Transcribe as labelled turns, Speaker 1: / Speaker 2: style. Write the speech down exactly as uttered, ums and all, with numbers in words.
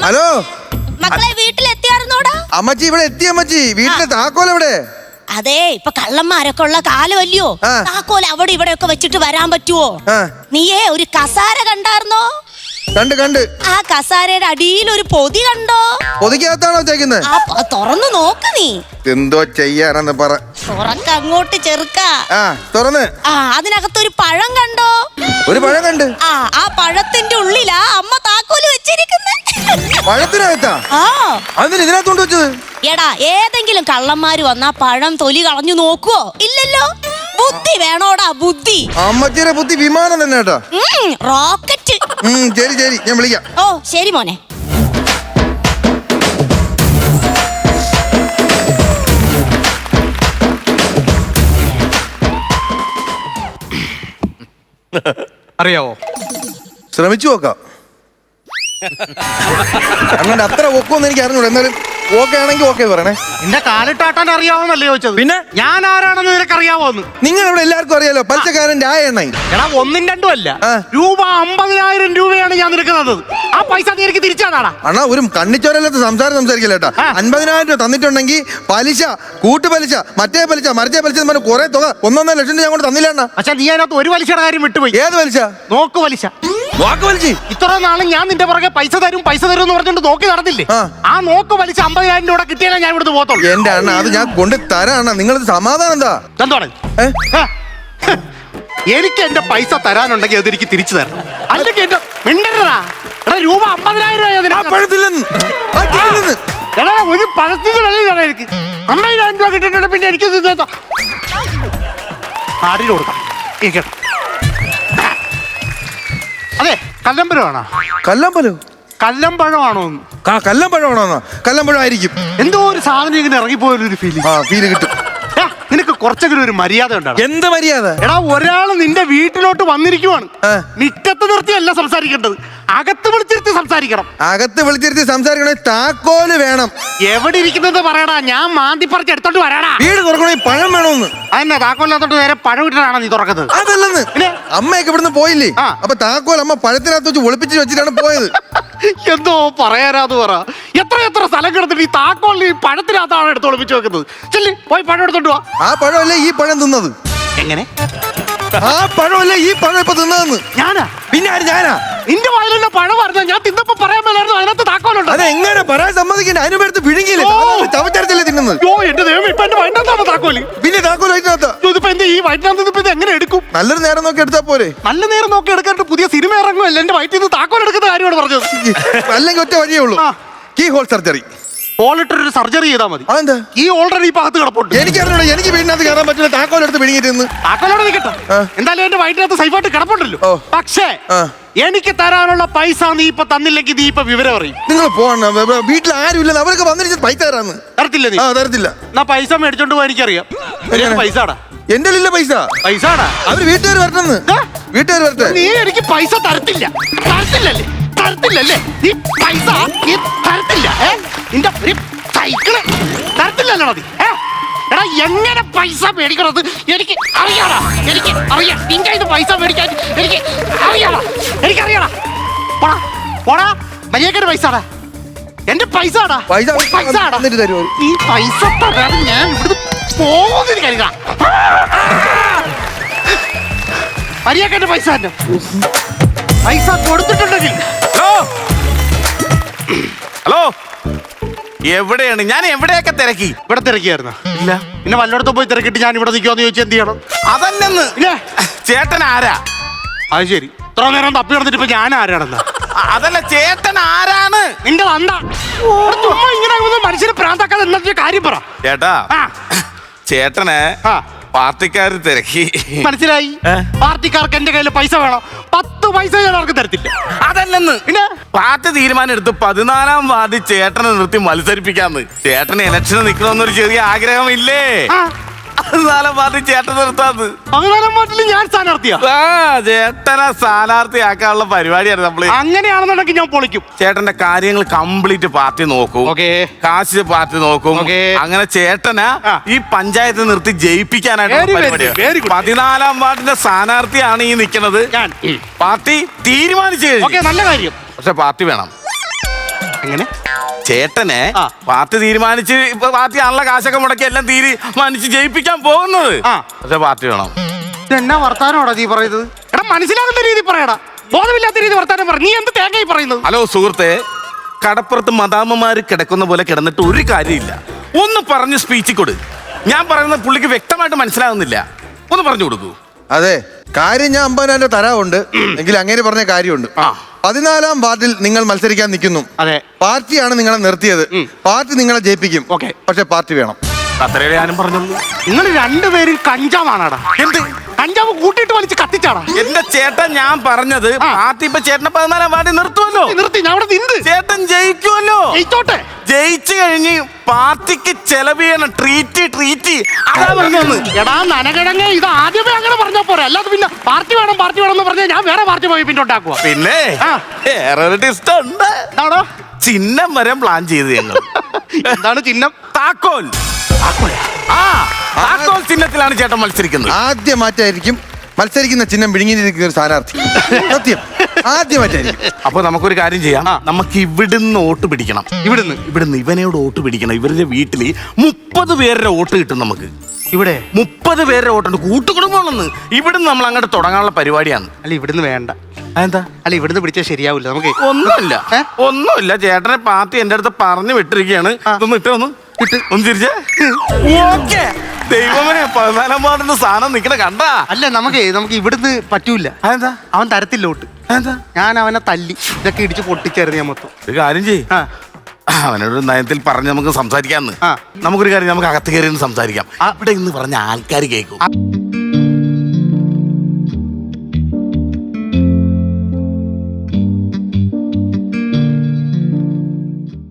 Speaker 1: Hello
Speaker 2: മക്കളെ വീട്ടിലെത്തിയായിരുന്നോടാ?
Speaker 1: അമ്മച്ചി ഇവിടെ എത്തി അമ്മച്ചി. വീട്ടിലെ താക്കോൽ എവിടെ?
Speaker 2: അതെ ഇപ്പൊ കള്ളന്മാരൊക്കെ ഉള്ള കാലമല്ലയോ, താക്കോൽ അവിടെ ഇവിടെ ഒക്കെ വെച്ചിട്ട് വരാൻ പറ്റുവോ? നീയേ ഒരു കസാര കണ്ടായിരുന്നോ?
Speaker 1: കണ്ട് കണ്ട്.
Speaker 2: ആ കസാരയുടെ അടിയിൽ ഒരു പൊതി കണ്ടോ?
Speaker 1: പൊതിക്കകത്താണോ വെച്ചേക്കുന്നത്?
Speaker 2: ആ തുറന്നു നോക്ക് നീ.
Speaker 1: എന്തോ ചെയ്യാനെന്ന് പറ.
Speaker 2: തുറക്ക അങ്ങോട്ട് ചെറുക്ക.
Speaker 1: ആ തുറന്ന്.
Speaker 2: ആ അതിനകത്തൊരു പഴം കണ്ടോ?
Speaker 1: ഒരു പഴം കണ്ട്.
Speaker 2: ആ ആ പഴത്തിന്റെ ഉള്ളിലാ അമ്മ താക്കോല് വെച്ചിരിക്കുന്നത്.
Speaker 1: പഴത്തിനകത്താ?
Speaker 2: ആ
Speaker 1: അതിന് ഇതിനകത്തോണ്ട് വെച്ചത്?
Speaker 2: എടാ ഏതെങ്കിലും കള്ളന്മാര് വന്നാ പഴം തൊലി കളഞ്ഞു നോക്കുവോ? ഇല്ലല്ലോ. ബുദ്ധി വേണോടാ ബുദ്ധി.
Speaker 1: അമ്മച്ചിയുടെ ബുദ്ധി വിമാനം തന്നെ കേട്ടോ.
Speaker 2: റോക്കറ്റ്.
Speaker 1: ശരി ശരി ഞാൻ വിളിക്കാം.
Speaker 2: ഓ ശരി മോനെ.
Speaker 3: അറിയാവോ?
Speaker 1: ശ്രമിച്ചു നോക്കാം. അങ്ങനെ അത്ര ഒക്കുമെന്ന് എനിക്ക് അറിഞ്ഞൂടാ. എന്നാലും ഓക്കെ ആണെങ്കിൽ ഓക്കെ പറയണേ.
Speaker 3: നിന്റെ കാലിട്ടാട്ടാൻ അറിയാവോന്നല്ലേ ചോദിച്ചത്? പിന്നെ ഞാൻ ആരാണെന്ന് നിനക്ക് അറിയാവോന്ന്?
Speaker 1: നിങ്ങൾ ഇവിടെ എല്ലാവർക്കും അറിയാലോ, പലിശക്കാരൻ രായണ്ണ.
Speaker 3: എടാ ഒന്നും രണ്ടും അല്ല, രൂപ അമ്പതിനായിരം രൂപയാണ് ഞാൻ നിനക്ക് തന്നത്. ആ പൈസ നീ എനിക്ക് തിരിച്ചാടാ.
Speaker 1: അണ്ണാ ഒരു കണ്ണിച്ചോരല്ലാത്ത സംസാരം സംസാരിക്കില്ല കേട്ടാ. അൻപതിനായിരം രൂപ തന്നിട്ടുണ്ടെങ്കിൽ പലിശ, കൂട്ടുപലിശ, മറ്റേ പലിശ, മറിച്ചേ പലിശ എന്ന് പറഞ്ഞ കുറെ തുക ഒന്നൊന്നര ലക്ഷം രൂപ ഞാൻ കൊണ്ട് തന്നില്ല അണ്ണാ.
Speaker 3: പക്ഷെ നീ അതിനകത്ത് ഒരു പലിശയുടെ കാര്യം വിട്ടുപോയി.
Speaker 1: ഏത് പലിശ?
Speaker 3: നോക്ക് പലിശ.
Speaker 1: വാക്ക് വലിച്ച്
Speaker 3: ഇത്ര നാളും ഞാൻ നിന്റെ പുറകെ പൈസ തരും പൈസ തരും എന്ന് പറഞ്ഞിട്ട് നോക്കി നടന്നില്ലേ? ആ നോക്ക് വലിച്ച അമ്പതിനായിരം രൂപ കിട്ടിയാലേ ഞാൻ ഇവിടുന്ന് പോകത്തുള്ളൂ.
Speaker 1: എന്റെ അണ്ണ അത് ഞാൻ കൊണ്ട് തരാണ്. നിങ്ങളത് സമാധാനം എന്താ?
Speaker 3: എന്താണ് എനിക്ക് എന്റെ പൈസ തരാനുണ്ടെങ്കിൽ അതെനിക്ക് തിരിച്ചു തരണം. അല്ലെങ്കിൽ എന്റെ മിണ്ടരുതാ. എടാ രൂപ അമ്പതിനായിരം രൂപ ഒരു പഴത്തിന് വില എനിക്ക് അമ്പതിനായിരം രൂപ കിട്ടിയിട്ടുണ്ട്. പിന്നെ എനിക്ക് ആടിന് കൊടുക്കാം. അതെ കല്ലമ്പഴമാണോ?
Speaker 1: കല്ലമ്പലോ?
Speaker 3: കല്ലമ്പഴമാണോ?
Speaker 1: കല്ലമ്പഴമാണോ? കല്ലമ്പഴം ആയിരിക്കും.
Speaker 3: എന്തോ ഒരു സാധനം ഇങ്ങനെ ഇറങ്ങിപ്പോയൊരു ഫീൽ.
Speaker 1: ആ ഫീല് കിട്ടും.
Speaker 3: നിനക്ക് കുറച്ചെങ്കിലും ഒരു മര്യാദ ഉണ്ടാവും.
Speaker 1: എന്ത് മര്യാദ?
Speaker 3: എടാ ഒരാള് നിന്റെ വീട്ടിലോട്ട് വന്നിരിക്കുവാണ്. മിറ്റത്ത് നിർത്തിയല്ല സംസാരിക്കേണ്ടത്, അകത്ത് വിളിച്ചിരുത്തി സംസാരിക്കണം.
Speaker 1: അകത്ത് വിളിച്ചിരുത്തി സംസാരിക്കണേ താക്കോല് വേണം.
Speaker 3: എവിടെ ഇരിക്കുന്നത് പറയടാ, ഞാൻ മാന്തി പറിച്ച് എടുത്തോണ്ട് വരാടാ.
Speaker 1: വീട് തുറക്കണേ പഴം വേണമെന്ന്.
Speaker 3: അതെന്നാ താക്കോലിനകത്തോട്ട് നേരെ പഴം ഇട്ടാണോ നീ തുറക്കുന്നത്?
Speaker 1: അതല്ലെന്ന്. അമ്മയൊക്കെ ഇവിടുന്ന് പോയില്ലേ, അപ്പൊ താക്കോൽ അമ്മ പഴത്തിനകത്ത് വെച്ച് ഒളിപ്പിച്ച് വെച്ചിട്ടാണ് പോയത്.
Speaker 3: എന്തോ പറയാനാന്ന് പറ. എത്ര എത്ര സ്ഥലം കിടന്നിട്ട് ഈ താക്കോലിൽ ഈ പഴത്തിനകത്താണ് എടുത്ത് ഒളിപ്പിച്ച് വെക്കുന്നത്. ചെല്ലി പോയി പഴം എടുത്തോണ്ട് വാ.
Speaker 1: ആ പഴമല്ലേ ഈ പഴം തിന്നത്?
Speaker 3: എങ്ങനെ?
Speaker 1: ആ പഴമല്ലേ ഈ പഴം ഇപ്പൊ തിന്നതെന്ന്?
Speaker 3: ഞാനാ?
Speaker 1: പിന്നെ ആര്? ഞാനാ?
Speaker 3: നിന്റെ വായിലുള്ള പഴം പറഞ്ഞ ഞാൻ തിന്നപ്പോ പറയാൻ മേലായിരുന്നു അതിനകത്ത് താക്കോലുണ്ട്.
Speaker 1: അത് എങ്ങനെ പറയാൻ സമ്മതിക്കണ്ടേ? അതിനെടുത്ത് വിഴുങ്ങിയില്ലേ, ചവച്ചരച്ചല്ലേ തിന്നുന്നത്?
Speaker 3: ഓ എന്റെ ദൈവം, ഇപ്പൊ എന്റെ വയറ്റിനകത്താണ് താക്കോല്.
Speaker 1: പിന്നെ താക്കോൽ വയറ്റിനകത്താ?
Speaker 3: ഇതിപ്പോ എന്ത് ഈ വയറ്റിനകത്ത് ഇപ്പൊ ഇത് എങ്ങനെ എടുക്കും?
Speaker 1: നല്ലൊരു നേരം നോക്കി എടുത്താ പോരെ?
Speaker 3: നല്ല നേരം നോക്കി എടുക്കാണ്ട് പുതിയ സിനിമ ഇറങ്ങുമല്ലോ. എന്റെ വയറ്റിൽ നിന്ന് താക്കോൽ എടുക്കുന്ന കാര്യമാണ് പറഞ്ഞത്.
Speaker 1: അല്ലെങ്കിൽ ഒറ്റ വഴിയേ ഉള്ളൂ, കീ ഹോൾ സർജറി.
Speaker 3: ഹോളിട്ടൊരു സർജറി ചെയ്താൽ മതി.
Speaker 1: അതെന്താ?
Speaker 3: ഈ ഓൾറെഡി ഇപ്പൊ അകത്ത് കിടപ്പുണ്ട്.
Speaker 1: എനിക്കറിഞ്ഞൂടാ, എനിക്ക് വീടിനകത്ത് കയറാൻ പറ്റില്ല. താക്കോലെടുത്ത് വിഴുങ്ങിയിട്ട്
Speaker 3: താക്കോലോടെ നിൽക്കട്ടെ. എന്തായാലും എന്റെ വയറ്റിനകത്ത് സൈഫായിട്ട് കിടപ്പുണ്ടല്ലോ. പക്ഷേ എനിക്ക് തരാനുള്ള പൈസ നീ ഇപ്പൊ തന്നില്ലെങ്കിൽ നീ ഇപ്പൊ വിവരം അറിയും.
Speaker 1: നിങ്ങൾ പോകണം, വീട്ടിൽ ആരും ഇല്ലെന്ന് അവരൊക്കെ വന്നിട്ട് പൈസ തരാന്ന്.
Speaker 3: തരത്തില്ല നീ?
Speaker 1: തരത്തില്ല.
Speaker 3: എന്നാ പൈസ മേടിച്ചോണ്ട് പോയി എനിക്കറിയാം. പൈസടാ
Speaker 1: എന്റെ ഇല്ല പൈസ.
Speaker 3: പൈസടാ അവര്
Speaker 1: വീട്ടുകാർ വരണമെന്ന്. വീട്ടുകാർ വരട്ടെ.
Speaker 3: നീ എനിക്ക് പൈസ തരത്തില്ല. തരത്തില്ലല്ലേ? തരത്തില്ലല്ലേ? നീ പൈസ നീ തരത്തില്ല. നിന്റെ സൈക്കിള് തരത്തില്ലല്ലോ നീ. എടാ എങ്ങനെ പൈസ മേടിക്കണത് എനിക്ക് അറിയാടാ. എനിക്ക് അറിയാം നിന്റെ ഇത് പൈസ മേടിക്കാൻ എനിക്ക് അറിയാടാ. എനിക്കറിയാടാ. പോടാ പോടാ മര്യാദയുടെ പൈസടാ. എന്റെ പൈസടാ.
Speaker 1: പൈസ
Speaker 3: പൈസടാ. നീ പൈസ തരാതെ ഞാൻ ഇവിടുന്ന് പോകുന്നു കരുതാ. മര്യാദയുടെ പൈസ തന്നെ. പൈസ കൊടുത്തിട്ടുണ്ടെങ്കിൽ.
Speaker 4: ഹലോ എവിടെയാണ്? ഞാൻ എവിടെയൊക്കെ തിരക്കി.
Speaker 3: ഇവിടെ തിരക്കിയായിരുന്നു? ഇല്ല. പിന്നെ വല്ലയിടത്തും പോയി തിരക്കിട്ട് ഞാൻ ഇവിടെ നിൽക്കുമെന്ന് ചോദിച്ചാൽ എന്ത് ചെയ്യണം?
Speaker 4: അതല്ലെന്ന്.
Speaker 3: ചേട്ടൻ ആരാ? അത് ശരി, ഇത്ര നേരം തപ്പി നടന്നിട്ട് ഇപ്പൊ ഞാൻ ആരാണെന്ന്?
Speaker 4: അതല്ല, ചേട്ടൻ ആരാണ്?
Speaker 3: നിന്റെ വന്ന ചുമ്മാ ഇങ്ങനെ മനുഷ്യനെ പ്രാന്താക്കാതെ എന്നൊരു കാര്യം പറ
Speaker 4: ചേട്ടാ. ചേട്ടന് പാർട്ടിക്കാര് തിരക്കി.
Speaker 3: മനസ്സിലായി. പാർട്ടിക്കാർക്ക് എന്റെ കയ്യിൽ പൈസ വേണം. പത്ത് പൈസ ഞാൻ അവർക്ക് തരത്തില്ല.
Speaker 4: അതല്ലെന്ന്. പിന്നെ പാർട്ടി തീരുമാനം എടുത്ത് പതിനാലാം വാർഡിൽ ചേട്ടനെ നിർത്തി മത്സരിപ്പിക്കാന്ന്. ചേട്ടന് ഇലക്ഷന് നിൽക്കണമെന്നൊരു ചെറിയ ആഗ്രഹമില്ലേ? പതിനാലാം വാർഡിൽ ചേട്ടൻ നിർത്താന്ന്.
Speaker 3: പതിനാലാം വാർഡിൽ ഞാൻ സ്ഥാനാർത്ഥിയാ?
Speaker 4: ചേട്ടനെ സ്ഥാനാർത്ഥിയാക്കാനുള്ള പരിപാടിയാണ് നമ്മള്.
Speaker 3: അങ്ങനെയാണെന്നുണ്ടെങ്കിൽ ഞാൻ പൊളിക്കും.
Speaker 4: ചേട്ടന്റെ കാര്യങ്ങൾ കംപ്ലീറ്റ് പാർട്ടി നോക്കും. കാശ് പാർട്ടി നോക്കും. അങ്ങനെ ചേട്ടനെ ഈ പഞ്ചായത്ത് നിർത്തി ജയിപ്പിക്കാനായിട്ട് പതിനാലാം വാർഡിന്റെ സ്ഥാനാർത്ഥിയാണ് ഈ നിൽക്കുന്നത്. പാർട്ടി തീരുമാനിച്ചു കഴിഞ്ഞു.
Speaker 3: നല്ല കാര്യം.
Speaker 4: പക്ഷെ പാർട്ടി വേണം.
Speaker 3: എങ്ങനെ
Speaker 4: ചേട്ടനെ
Speaker 3: ആ.
Speaker 4: പാർട്ടി തീരുമാനിച്ച് ഇപ്പൊ പാർട്ടി ആണല്ലോ കാശൊക്കെ മുടക്കി എല്ലാം തീരുമാനിച്ച് ജയിപ്പിക്കാൻ പോകുന്നത്.
Speaker 3: ആ.
Speaker 4: പക്ഷെ പാർട്ടി വേണം.
Speaker 3: എന്നാ വർത്താനോടാ നീ പറയുന്നത്? എടാ മനസ്സിലാകുന്ന രീതി പറയടാ, ബോധമില്ലാത്ത രീതി വർത്താനം പറ. നീ എന്ത് തേങ്ങയായി പറയുന്നത്?
Speaker 4: ഹലോ സുഹൃത്തെ, കടപ്പുറത്ത് മദാമ്മമാര് കിടക്കുന്ന പോലെ കിടന്നിട്ട് ഒരു കാര്യമില്ല. ഒന്ന് പറഞ്ഞ് സ്പീച്ച് കൊടു. ഞാൻ പറയുന്നത് പുള്ളിക്ക് വ്യക്തമായിട്ട് മനസ്സിലാകുന്നില്ല. ഒന്ന് പറഞ്ഞു കൊടുക്കൂ.
Speaker 1: അതെ, കാര്യം ഞാൻ അമ്പതിനായിരം തരാറുണ്ട് എങ്കിൽ അങ്ങനെ പറഞ്ഞ കാര്യമുണ്ട്.
Speaker 4: ആ.
Speaker 1: പതിനാലാം വാർഡിൽ നിങ്ങൾ മത്സരിക്കാൻ നിൽക്കുന്നു.
Speaker 3: അതെ.
Speaker 1: പാർട്ടിയാണ് നിങ്ങളെ നിർത്തിയത്. പാർട്ടി നിങ്ങളെ ജയിപ്പിക്കും.
Speaker 3: ഓക്കേ.
Speaker 1: പക്ഷെ പാർട്ടി വേണം.
Speaker 4: അത്രയേ ഞാനും പറഞ്ഞുള്ളൂ.
Speaker 3: നിങ്ങൾ രണ്ടുപേരും കഞ്ചാവാണാടാ.
Speaker 4: എന്ത്
Speaker 3: കഞ്ചാവ് കൂട്ടിയിട്ട് വലിച്ച് കത്തിച്ചാടാ.
Speaker 4: എന്റെ ചേട്ടൻ, ഞാൻ പറഞ്ഞത്
Speaker 3: ആ.
Speaker 4: പാർട്ടി ഇപ്പൊ ചേട്ടനെ പതിനാലാം വാർഡിൽ നിർത്തുമല്ലോ.
Speaker 3: നിർത്തി, ഞാൻ അവിടെ നിന്ന്
Speaker 4: ചേട്ടൻ ജയിക്കുമല്ലോ.
Speaker 3: ജയിച്ചോട്ടെ.
Speaker 4: ജയിച്ചു കഴിഞ്ഞ് പാർട്ടിക്ക് ചെലവ് ചെയ്യണം. ട്രീറ്റ് ട്രീറ്റ് അതാ പറഞ്ഞത്.
Speaker 3: എടാ നനകിഴങ്ങ്, ഇത് ആദ്യമേ അങ്ങനെ പറഞ്ഞാ പോരെ. അല്ലാതെ പിന്നെ പാർട്ടി വേണം പാർട്ടി വേണം എന്ന് പറഞ്ഞാൽ ഞാൻ വേറെ പാർട്ടി പോയി പിന്നെ ഉണ്ടാക്കുക.
Speaker 4: പിന്നെ
Speaker 3: ആ.
Speaker 4: വേറൊരു ടിസ്റ്റ് ഉണ്ട്.
Speaker 3: എന്താണോ?
Speaker 4: ചിഹ്നം വരെ പ്ലാൻ ചെയ്ത് ഞങ്ങൾ.
Speaker 3: എന്താണ് ചിഹ്നം?
Speaker 4: താക്കോൽ. ആ താക്കോൽ ചിഹ്നത്തിലാണ് ചേട്ടൻ മത്സരിക്കുന്നത്.
Speaker 1: ആദ്യമായിട്ടായിരിക്കും മത്സരിക്കുന്ന ചിഹ്നം വിഴുങ്ങിയിരിക്കുന്ന ഒരു സ്ഥാനാർത്ഥി. സത്യം, ആദ്യമായിട്ടായിരിക്കും.
Speaker 4: അപ്പൊ നമുക്കൊരു കാര്യം ചെയ്യാം. നമുക്ക് ഇവിടുന്ന് വോട്ട് പിടിക്കണം.
Speaker 3: ഇവിടുന്ന്
Speaker 4: ഇവിടുന്ന് ഇവനോട് വോട്ട് പിടിക്കണം. ഇവരുടെ വീട്ടില് മുപ്പത് പേരുടെ വോട്ട് കിട്ടും നമുക്ക്.
Speaker 3: ഇവിടെ
Speaker 4: മുപ്പത് പേരുടെ വോട്ടുണ്ട്. കൂട്ടുകുടുംബമാണെന്ന്. ഇവിടുന്ന് നമ്മൾ അങ്ങോട്ട് തുടങ്ങാനുള്ള പരിപാടിയാണ്.
Speaker 3: അല്ല ഇവിടുന്ന് വേണ്ട.
Speaker 4: എന്താ?
Speaker 3: അല്ല ഇവിടുന്ന് പിടിച്ചാൽ ശരിയാവില്ല നമുക്ക്.
Speaker 4: ഒന്നുമില്ല,
Speaker 3: ഏ?
Speaker 4: ഒന്നുമില്ല. ചേട്ടനെ പാർട്ടി എന്റെ അടുത്ത് പറഞ്ഞു വിട്ടിരിക്കുകയാണ്. ഇതൊന്ന് ഇട്ടേ, ഒന്ന് ഇട്ട് ഒന്ന് തിരിച്ചേ. ഓക്കേ. ദൈവമേ, പതിനാലാം വാർഡിന്റെ സാധനം നിക്കണ കണ്ടാ.
Speaker 3: അല്ല നമുക്ക് നമുക്ക് ഇവിടുന്ന് പറ്റൂല.
Speaker 4: അതെന്താ?
Speaker 3: അവൻ തരത്തില്ല വോട്ട്.
Speaker 4: എന്താ?
Speaker 3: ഞാൻ അവനെ തല്ലി ഇതൊക്കെ ഇടിച്ച് പൊട്ടിച്ചായിരുന്നു ഞാൻ മൊത്തം.
Speaker 4: ഒരു കാര്യം ചെയ്യ്.
Speaker 3: ആ.
Speaker 4: അവനോട് നയത്തിൽ പറഞ്ഞ് നമുക്ക് സംസാരിക്കാന്ന്.
Speaker 3: ആ.
Speaker 4: നമുക്കൊരു കാര്യം, നമുക്ക് അകത്ത് കയറി സംസാരിക്കാം. അവിടെ ഇന്ന് പറഞ്ഞ ആൾക്കാർ കേൾക്കും.